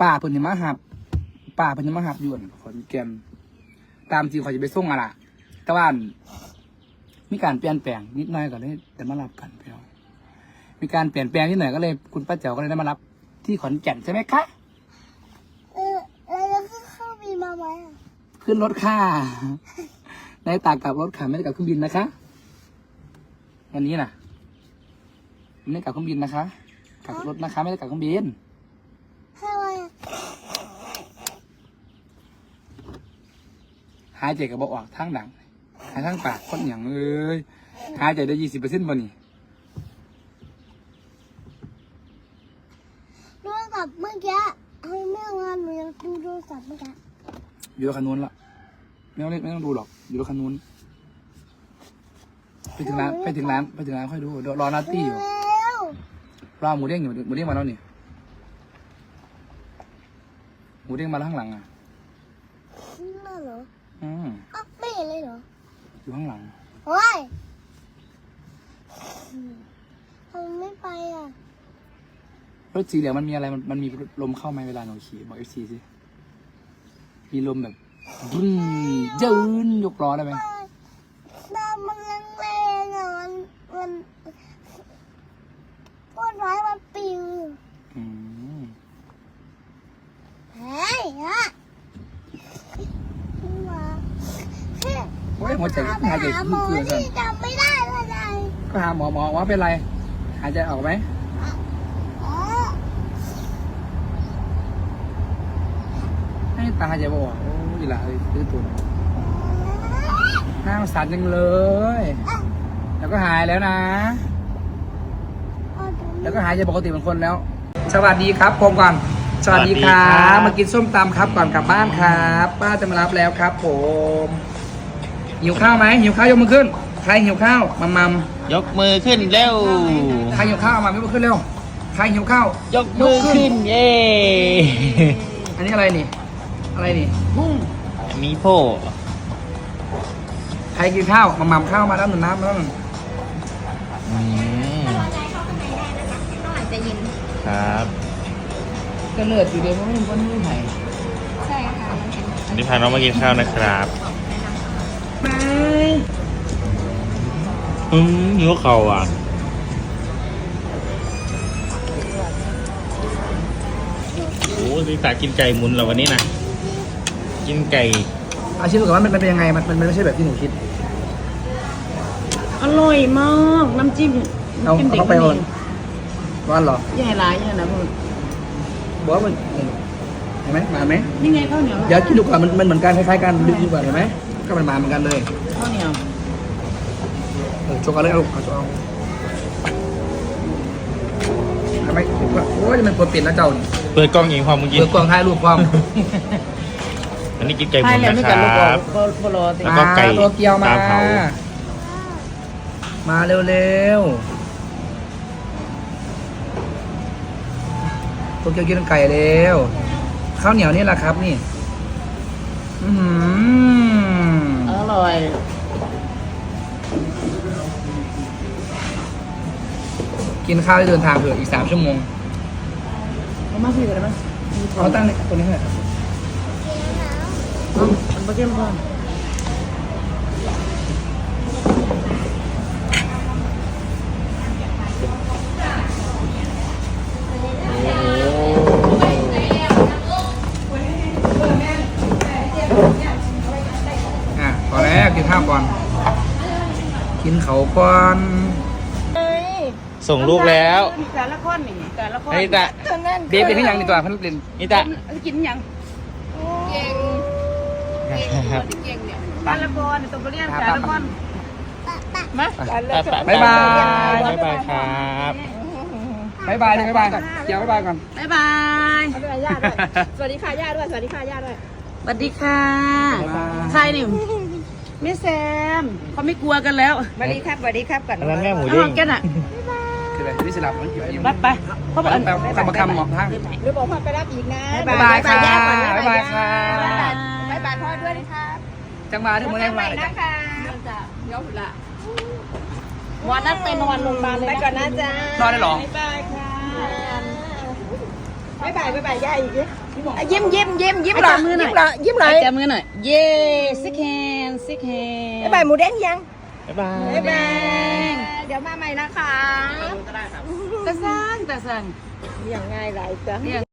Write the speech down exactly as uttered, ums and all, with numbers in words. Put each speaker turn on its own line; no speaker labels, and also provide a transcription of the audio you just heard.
ป่าเพิ่นจะมาหับป่าเพิ่นจะมาหับยวนขอนแก่นตามจริงเขาจะไปส่งอะล่ะแต่ว่ามีการเปลี่ยนแปลงนิดหน่อยก็เลยแต่มารับกันพี่น้องมีการเปลี่ยนแปลงนิดหน่อยก็เลยคุณป้าแจ๋วก็เลยได้มารับที่ขอนแก่นใช่ไหมคะ
เออแล้วจะขึ้นเครื่องบินมาไหมอ่ะ
ขึ้นรถค่ะในตากกับรถค่ะไม่ได้กับเครื่องบินนะคะวันนี้น่ะไม่ได้กับเครื่องบินนะคะกับรถนะคะไม่ได้กับเครื่องบิน
ทำไม
หายใจกับเบาออกทั้งหนังหายทั้งปากคนอย่างเอ้ยหายใจได้ยี่สิบเปอร์เซ็นต์บ่นี่
โทรศัพท์เมื่อกี้ให้แม่งานหนูยังดูโทรศัพท์เมื่อกี้
อยู่รถคันนู้นละไม่ต้องเล่นไม่ต้องดูหรอกอยู่รถคันนู้นไปถึงร้านไปถึงร้านไปถึงร้านค่อยดูรอนาตี้อยู่รอหมูเด้งอยู่หมูเด้งมาแล้วนี่หมูเด้งมาแล้วข้างหลังอ่ะ
นั่นเหรอ
อืม
อ่ะไม่เห็นเลยเหรอ
อยู่ข้างหลัง
โอ้ยทำไมไม่ไปอ่ะ
รถสีเหลืองมันมีอะไรมันมันมีลมเข้าไหมเวลาหนูขี่บอกเอฟซีสิมีลมแบบบึ้นยืนยกล้อได้ไหม
น้ำมันแรงๆอ่ะมันมันก้นร้ายมันปิว
อืม
เฮ้ยอ่ะมา
โอ้ยหัวใจหายใจขึ้นเกลือสั่น
จำไม่ได้เลยไง
ก็หาหมอหมอว่าเป็นไรหายใจออกไหมให้ตาหายใจบ่ออกโอ้ยละเลยซื้อตัวหน้าสั่นจังเลยแล้วก็หายแล้วนะแล้วก็หายใจปกติเหมือนคนแล้วสวัสดีครับผมก่อนสวัสดีครับมากินส้มตำครับก่อนกลับบ้านครับป้าจะมารับแล้วครับผมหิวข้าวไหมหิวข้าวยกมือขึ้นใครหิวข้าวมัมมัม
ยกมือขึ้นเร็ว
ใครหิวข้าวมายกมือขึ้นเร็วใครหิวข้าวย
กมือขึ้นเย่
อันนี้อะไรนี่อะไรนี่กุ้ง
มีโพ
ใครกินข้าวมัมมัมข้าวมาแล้วหนึ่งน้ำมาแล้วหนึ่ง
ครับ
ก็เลือดอยู่เดียวเพราะไม่มีคนไม่ไหน
ใช่ค่ะ
วันนี้พาน้องมากินข้าวนะครับ
ไม่
อืมหิวเข่าอ่ะโอ้ดิตากินไก่หมุนเหรอวันนี้นะกินไก่
เอาชิมดูก่อนว่ามันเป็นยังไงมันมันไม่ใช่แบบที่หนูคิด
อร่อยมากน้ำจิ้ม
เอาเอาไปก่อนร้อนเหรอ
ใหญ่ร้ายเนี่ยนะพูด
บอกว่ามันเห็นไหมมาไหม
นี่ไงข้าวเหนียว
เดี๋ยวกินดูก่อนมันมันเหมือนกันคล้ายๆกันดูก่อนเห็นไหมก็มันมาเหมือนกันเลย
ข้าวเหนียว
เออโชว์กันเลยเอาเอาโชว์เอาทำไมโอ้ยมันเปิดเปลี่ยนแล้วเจ้า
เปิดกล้องยิงความมึงกิน
เปิดกล้องถ่ายรูปความ
อันนี้กินไก่หมุนนะครับแล้วก็ไก่
ตัวเกียวมามาเร็วๆตัวเกียวกินไก่เร็วข้าวเหนียวนี่แหละครับนี่อืม
อร่อย
กินข้าวได้เดินทางเผื่ออีกสามชั่วโมง
เอามาสิกันได้ไหม
เอาตั้งเลยตัวนี้ให้
มันไม่เข้มข้น
อ่ะพอแล้วกินข้าวก่อนกินเขาก่อน
ส่งลูกแล้ว
แต่ละคนนี่แต่ละคน
นี่ตา
เบฟเป็นที่ยังในตัวพันเล่น
นี่ตา
กินยัง
เก่ง
เก่งเนี่ยแต่ละคนตัวเรียนแต่ละคนมา
บ๊ายบาย
บ๊ายบายครับ
บ๊ายบายบ๊ายบายเดี๋ยวบ๊ายบายก่อน
บ๊ายบายสวัสดีค่ะย่าด้วยสวัสดีค่ะย่าด้วยสวัสดีค่ะใครนี่แม่แซมเขาไม่กลัวกันแล้ว
สวัสดีครับสวัสดีครับก่อน
อันนั้นแม่หมูเด้ง
กันอ่ะ
คือแบบที่สลับมันอยู่
ไปไปเขาบอก
คำคำหมอกทาง
หรือบอกพ่อไปรับอีกนะ
บ๊ายบายค่ะบ๊ายบายค่ะ
บ๊ายบายพ่อด้วยนะคะ
จังมาที่เมืองไหนมา
นะคะ
เดี๋ยวละวันนั้นไปนอนโรงพยาบาลเลย
ไปก่อนนะจ๊ะ
นอนได้หรอ
บ๊ายบายค่ะบ๊ายบายบ๊ายบายย่าอีกยิ้มยิ้มยิ้มยิ้ม
จับมือหน่อย
ยิ้มหน่อย
จับมือหน่อยเย้ซิกแฮนซิกแฮน
บ๊ายบายหมูแดงยัง
บ๊ายบาย
บ๊ายบายเดี๋ยวมาใหม่นะคะ
ตาสั่งตาสั่ง
อย่างง่ายหลายจ้ะ